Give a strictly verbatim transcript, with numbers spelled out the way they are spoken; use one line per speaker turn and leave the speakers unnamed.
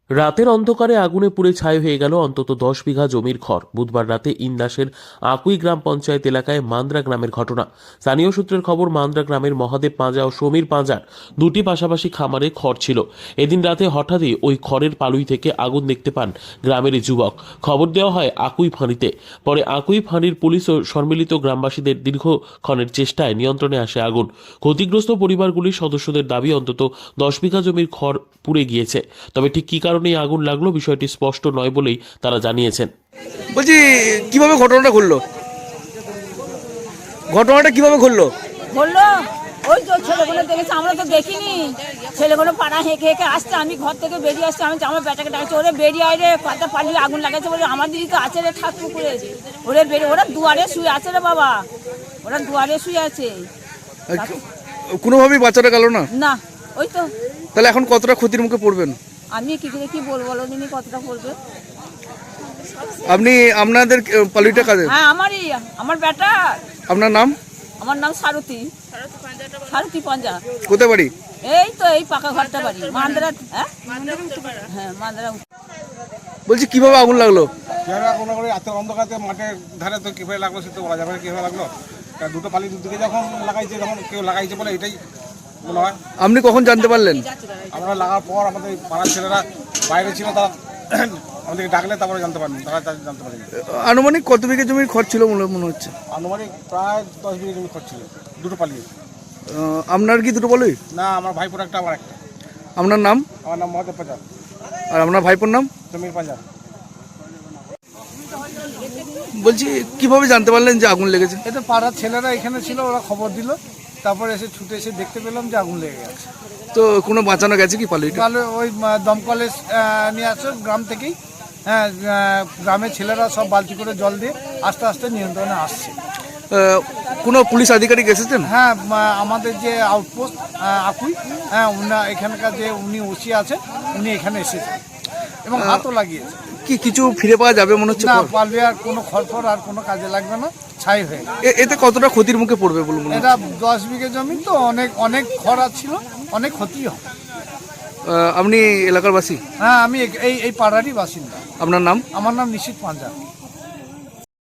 রাতের অন্ধকারে আগুনে পুড়ে ছাই হয়ে গেল অন্তত দশ বিঘা জমির খড়। বুধবার রাতে ইন্দাসের আকুই গ্রাম পঞ্চায়েত এলাকায় মান্দ্রা গ্রামের ঘটনা। স্থানীয় সূত্রের খবর, মান্দ্রা গ্রামের মহাদেব পাঁজা ও সমীর পাঁজার দুটি পাশাপাশি খামারে খড় ছিল। এদিন রাতে হঠাৎই ওই খড়ের পালুই থেকে আগুন দেখতে পান গ্রামের যুবক। খবর দেওয়া হয় আকুই ফাঁড়িতে। পরে আকুই ফাঁড়ির পুলিশ ও সম্মিলিত গ্রামবাসীদের দীর্ঘক্ষণের চেষ্টায় নিয়ন্ত্রণে আসে আগুন। ক্ষতিগ্রস্ত পরিবারগুলির সদস্যদের দাবি অন্তত দশ বিঘা জমির খড় পুড়ে গিয়েছে। তবে ঠিক কী কারণে এই আগুন লাগলো বিষয়টি স্পষ্ট নয় বলেই তারা জানিয়েছেন।
বলছি কিভাবে ঘটনাটা ঘটলো ঘটনাটা কিভাবে ঘটলো
বললো ওই তো ছেলেগুলো দেখেছে, আমরা তো দেখিনি। ছেলেগুলো পাড়া হেঁকে হেঁকে আসছে, আমি ঘর থেকে বেরিয়ে আসছি। আমি আমার বেটাকে ডাকছি, ওরে বেরিয়ে আয় রে, কথা পালিয়ে আগুন লাগাচ্ছে। বলে আমার দিদি তো আছে রে, ঠাকুর করে ওরে বেরিয়ে, ওরা দুয়ারে শুয়ে আছে রে বাবা, ওরা দুয়ারে শুয়ে আছে।
কোনোভাবেই বাচ্চাটা গেল না?
না, ওই তো।
তাহলে এখন কতটা ক্ষতির মুখে পড়বেন?
আমি কি করে কি বলবো, বলো দিনই কতটা পড়বে।
আপনি আপনাদের পালিটা কাজে?
হ্যাঁ, আমারই, আমার বেটা।
আপনার নাম?
আমার নাম সারথী, সারথী পাঁজা।
কোথায় বাড়ি?
এই তো এই পাকা ঘরটা বাড়ি, মান্দ্রা। হ্যাঁ হ্যাঁ, মান্দ্রা।
বলছি কিভাবে আগুন লাগলো?
কোনো করে রাতের অন্ধকারে মাঠের ধারে তো কীভাবে লাগলো সে তো বলা যাবে না কীভাবে লাগলো। দুটো পালি দুদিকে যখন লাগাইছে, যখন কেউ লাগাইছে বলে এটাই মনে হয়।
আপনি কখন জানতে পারলেন?
আমরা লাগার পর আমাদের পাড়ার ছেলেরা বাইরে ছিল, তারা আমাদেরকে ডাকলে তারপরে জানতে পারেন, তারা জানতে পারেন।
আনুমানিক কত বিঘা জমির খরচ ছিল মনে মনে হচ্ছে?
আনুমানিক প্রায় দশ বিঘা জমি খরচ ছিল, দুটো পালি।
আপনার কি দুটো বলই?
না, আমার ভাইপোর একটা, আমার একটা।
আপনার নাম?
আমার নাম মহাদেব পাঁজা।
আর আপনার ভাইপোর নাম?
সমীর পাঁজা।
বলছি কিভাবে জানতে পারলেন যে আগুন লেগেছে?
এটা পাড়ার ছেলেরা এখানে ছিল, ওরা খবর দিল, তারপরে এসে ছুটে এসে দেখতে পেলাম যে আগুন লেগে গেছে।
তো কোনো বাঁচানো গেছে কি পালিটা?
তাহলে ওই দমকলে নিয়ে আসো গ্রাম থেকেই। হ্যাঁ, গ্রামের ছেলেরা সব বালতি করে জল দিয়ে আস্তে আস্তে নিয়ন্ত্রণে আসছে।
কোনো পুলিশ আধিকারিক এসেছেন?
হ্যাঁ, আমাদের যে আউটপোস্ট আকুই, হ্যাঁ, উনি এখানকার যে উনি ওসি আছে, উনি এখানে এসেছেন এবং হাতও লাগিয়েছে।
কি কিছু ফিরে পাওয়া যাবে মনে হচ্ছে?
না, পারবে আর কোনো খড়ফড় আর কোনো কাজে লাগবে না, ছাই হয়ে গেছে।
এতে কতটা ক্ষতির মুখে পড়বে বলুন?
এটা দশ বিঘে জমি তো, অনেক অনেক খরা ছিল, অনেক ক্ষতি হয়।
আপনি এলাকার বাসী?
হ্যাঁ, আমি এই এই পাড়ারই বাসিন্দা।
আপনার নাম?
আমার নাম নিশিত পাঁজা।